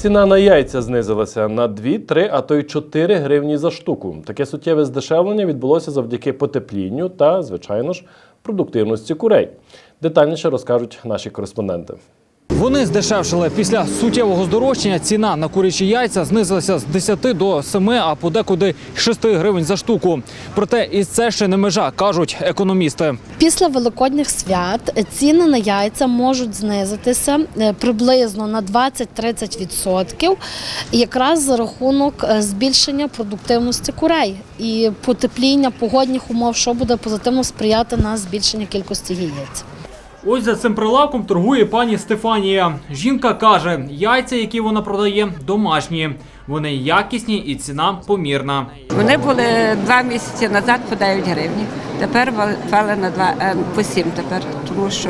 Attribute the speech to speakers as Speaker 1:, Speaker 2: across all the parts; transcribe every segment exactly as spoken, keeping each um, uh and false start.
Speaker 1: Ціна на яйця знизилася на дві, три, а то й чотири гривні за штуку. Таке суттєве здешевлення відбулося завдяки потеплінню та, звичайно ж, продуктивності курей. Детальніше розкажуть наші кореспонденти.
Speaker 2: Вони здешевшили. Після суттєвого здорожчання ціна на курячі яйця знизилася з десяти до семи, а подекуди шести гривень за штуку. Проте і це ще не межа, кажуть економісти.
Speaker 3: Після великодніх свят ціни на яйця можуть знизитися приблизно на двадцять-тридцять відсотків, якраз за рахунок збільшення продуктивності курей і потепління погодних умов, що буде позитивно сприяти на збільшення кількості яєць.
Speaker 2: Ось за цим прилавком торгує пані Стефанія. Жінка каже, яйця, які вона продає, домашні. Вони якісні і ціна помірна.
Speaker 4: Вони були два місяці назад по дев'ять гривень. Тепер вали на два, по сім тепер, тому що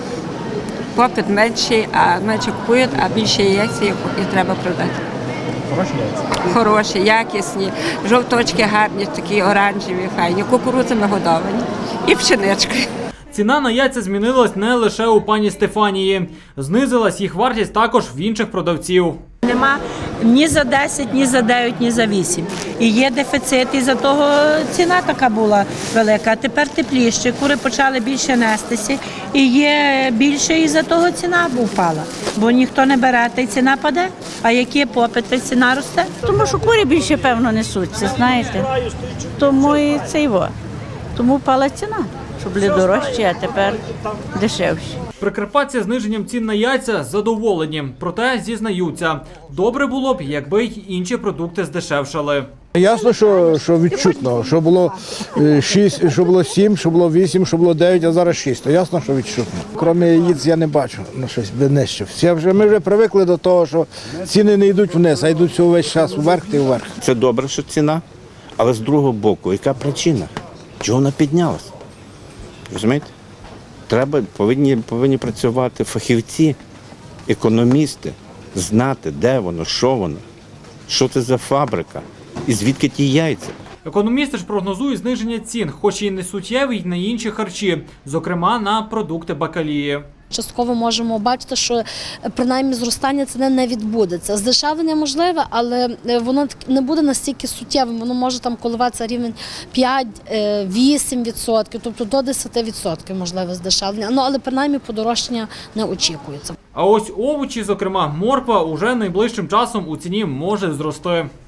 Speaker 4: попит менший, а менше купують, а більше яйця і треба продати.
Speaker 2: Хороші яйця?
Speaker 4: Хороші, якісні, жовточки гарні, такі оранжеві, файні, кукурудзами годовані і пшеничкою.
Speaker 2: Ціна на яйця змінилась не лише у пані Стефанії. Знизилась їх вартість також в інших продавців.
Speaker 5: Нема ні за десять, ні за дев'ять, ні за вісім. І є дефіцит, і за того ціна така була велика. А тепер тепліше, кури почали більше нестися. І є більше, і за того ціна впала. Бо ніхто не бере, та й ціна паде. А які попит, та й ціна росте.
Speaker 6: Тому що кури більше, певно, несуться, знаєте. Тому і це його. Тому впала ціна. Щоб були дорожчі, а тепер дешевші.
Speaker 2: Прикарпатці зниженням цін на яйця задоволені. Проте зізнаються, добре було б, якби й інші продукти здешевшали.
Speaker 7: Ясно, що, що відчутно, що було шість, що було сім, що було вісім, що було дев'ять, а зараз шість. То ясно, що відчутно. Крім яєць я не бачу на щось нижче. Всі вже, ми вже привикли до того, що ціни не йдуть вниз, а йдуть увесь час вверх і вверх.
Speaker 8: Це добре, що ціна, але з другого боку, яка причина? Чого вона піднялася? Розумієте? Треба, повинні, повинні працювати фахівці, економісти, знати, де воно, що воно, що це за фабрика і звідки ті яйця.
Speaker 2: Економісти ж прогнозують зниження цін, хоч і не суттєві, й на інші харчі, зокрема на продукти бакалії.
Speaker 3: Частково можемо бачити, що принаймні зростання ціни не відбудеться. Здешевлення можливе, але воно не буде настільки суттєвим, воно може там коливатися рівень п'ять-вісім відсотків, тобто до десяти відсотків можливе здешевлення. Ну, але принаймні подорожчання не очікується.
Speaker 2: А ось овочі, зокрема морква, уже найближчим часом у ціні може зрости.